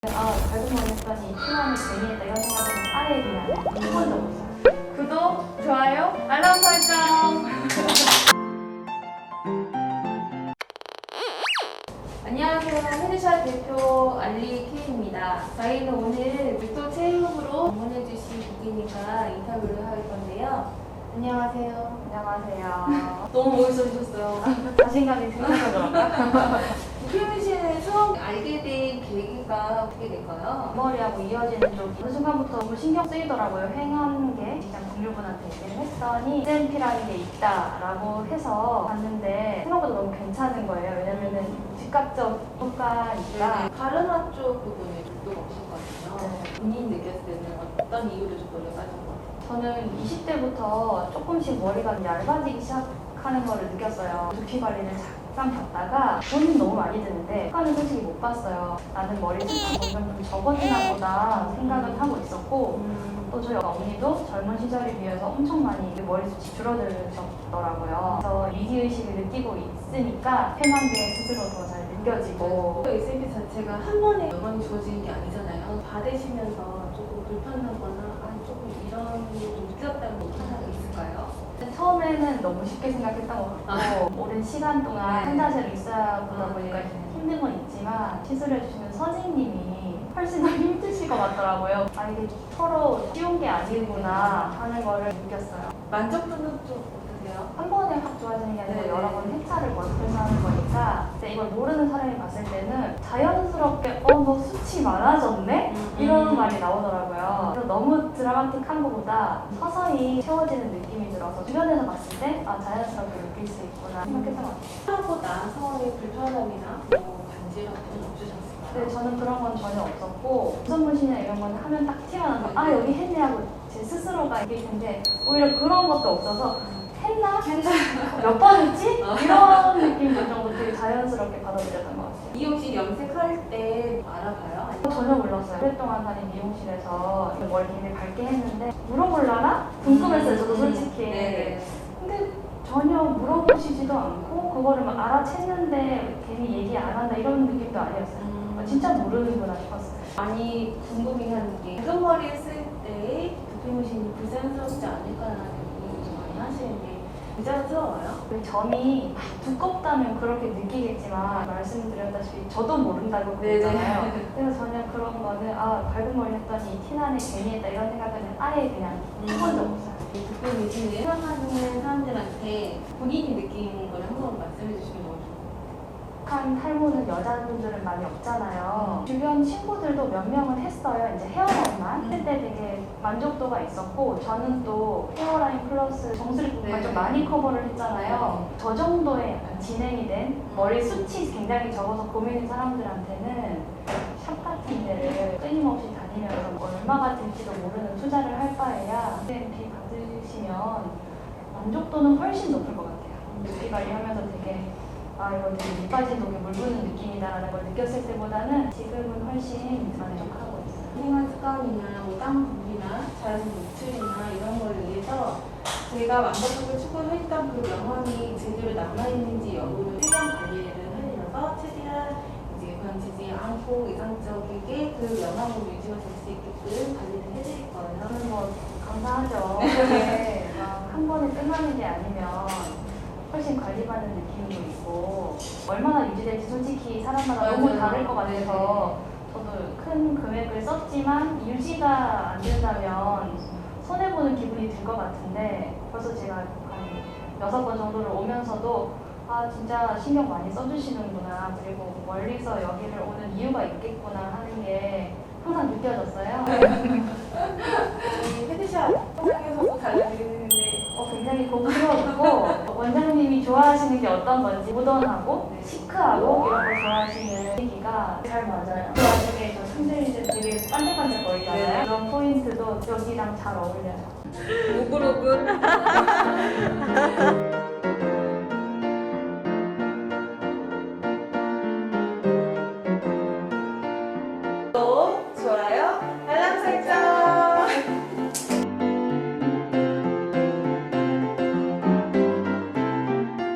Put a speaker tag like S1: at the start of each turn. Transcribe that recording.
S1: 밝은 머리 했더니 피부하면 재미있다 이런 생각은 아예 그냥 해본 적 없어요. 구독, 좋아요, 알람 설정! 안녕하세요. 헤드샷 대표 알리 K입니다. 저희는 오늘 빅토 체육으로 방문해주신 고객님과 인터뷰를 할 건데요. 안녕하세요. 안녕하세요. 너무 멋있어지셨어요. 자신감이 생겨서 그런가? 도쿄민 씨는 처음 알게 된 계기가 어떻게 될까요? 머리하고 이어지는 쪽이 어느 순간부터 너무 신경 쓰이더라고요. 횡한 게 직장 동료분한테 얘기를 했더니 SNP라는 게 있다라고 해서 봤는데 생각보다 너무 괜찮은 거예요. 왜냐면은 즉각적 효과니까.
S2: 가르마 쪽 부분에 굴도가 없었거든요. 본인 느꼈을 때는 어떤 이유로 좀 머리가 빠진 것 같아요?
S1: 저는 20대부터 조금씩 머리가 얇아지기 시작하는 거를 느꼈어요. 두피 관리를 잠깐 봤다가 돈은 너무 많이 드는데 효과는 솔직히 못 봤어요. 나는 머리 숱한 점점 좀 적어지나 보다 생각은 하고 있었고 또 저희 언니도 젊은 시절에 비해서 엄청 많이 머리숱이 줄어들었더라고요. 그래서 위기의식을 느끼고 있으니까 편한 게 스스로 더 잘 느껴지고
S2: SMP 자체가 한 번에 영향이 주어지는 게 아니잖아요. 받으시면서 조금 불편하거나 조금 이런 게 좀 느꼈다는 거 하나 있을까요?
S1: 처음에는 너무 쉽게 생각했던 것 같고 오랜 시간 동안 한 자세로 있어야 보다 보니까 힘든 건 있지만 시술해주시는 선생님이 훨씬 더 힘드실 것 같더라고요. 이게 서로 쉬운 게 아니구나 하는 거를 느꼈어요.
S2: 만족도는 좀 어떠세요?
S1: 한 번에 확 좋아지는 게 아니고 여러 번 회차를 거듭해서 하는 거니까 근데 이걸 모르는 사람이 봤을 때는 자연스럽게 너 수치 많아졌네? 이런 말이 나오더라고요. 그래서 너무 드라마틱한 것보다 서서히 채워지는 느낌이 들어서 주변에서 봤을 때 자연스럽게 느낄 수 있구나 생각했던 것 같아요.
S2: 하고 나서의 불편함이나 간지럼은 없으셨을까요?
S1: 근데 저는 그런 건 전혀 없었고 우선 문신이나 이런 건 하면 딱 티가 나서 여기 했네 하고 제 스스로가 이길 텐데 오히려 그런 것도 없어서 했나? 몇 번 했지? 이런 느낌 들 정도 되게 자연스럽게 받아들였던 것 같아요.
S2: 미용실 염색할 때 알아봐요?
S1: 전혀 몰랐어요. 오랫동안 다닌 미용실에서 머리 굉장히 밝게 했는데 물어볼라나? 궁금했어요, 저도 솔직히.
S2: 네네.
S1: 근데 전혀 물어보시지도 않고 그거를 막 알아챘는데 괜히 얘기 안 한다 이런 느낌도 아니었어요. 진짜 모르는구나 싶었어요.
S2: 많이 궁금해하는 게 밝은 머리 했을 때 두피문신이 부자연스럽지 않을까라는 고민을 좀 많이 하시는데 부자연스러워요?
S1: 그 점이 두껍다면 그렇게 느끼겠지만 말씀드렸다시피 저도 모른다고 그랬잖아요. 그래서 전혀 그런 거는 밝은 머리 했더니 티나네 괜히 했다 이런 생각은 아예 그냥 해본 적 없어요.
S2: 두피문신을 사용하는 사람들한테 본인이 느낀 걸 한번 말씀해 주시면 너무 좋을
S1: 한 탈모는 여자분들은 많이 없잖아요. 주변 친구들도 몇 명은 했어요. 이제 헤어라인만 했을 때 되게 만족도가 있었고 저는 또 헤어라인 플러스 정수리 부분만 좀 많이 커버를 했잖아요. 저 정도의 약간 진행이 된 머리 숱이 굉장히 적어서 고민인 사람들한테는 샵 같은 데를 끊임없이 다니면서 얼마가 될지도 모르는 투자를 할 바에야 SMP 받으시면 만족도는 훨씬 높을 것 같아요. 두피 관리하면서 되게 이거 되게 밑빠진 독에 물 부는 느낌이다라는 걸 느꼈을 때보다는 지금은 훨씬 만족하고 있어요.
S2: 생활 습관이나 땀 분비나 자연 노출이나 이런 걸 위해서 제가 완벽하게 추구했던 그 명언이 제대로 남아있는지 여부를 최대한 관리를 하려서 최대한 이제 건지지 않고 이상적이게 그 영양으로 유지가 될 수 있게끔 관리를 해드릴 거예요.
S1: 저는 뭐 감사하죠. 그게 막 한 번에 끝나는 게 아니면 훨씬 관리받는 느낌도 있고 얼마나 유지될지 솔직히 사람마다 너무 다를 것 같아서 저도 큰 금액을 썼지만 유지가 안 된다면 손해보는 기분이 들 것 같은데 벌써 제가 한 6번 정도를 오면서도 진짜 신경 많이 써주시는구나 그리고 멀리서 여기를 오는 이유가 있겠구나 하는 게 항상 느껴졌어요.
S2: 저희 헤드샷 영상에서도 달라드리는데
S1: 굉장히 고급스럽고 원장님이 좋아하시는 게 어떤 건지 모던하고 시크하고 이런 거 좋아하시는 얘기가 잘 맞아요. 그 와중에 저 상들이들 되게 반짝반짝 거리잖아요. 그런 포인트도 여기랑 잘 어울려요.
S2: 오글오글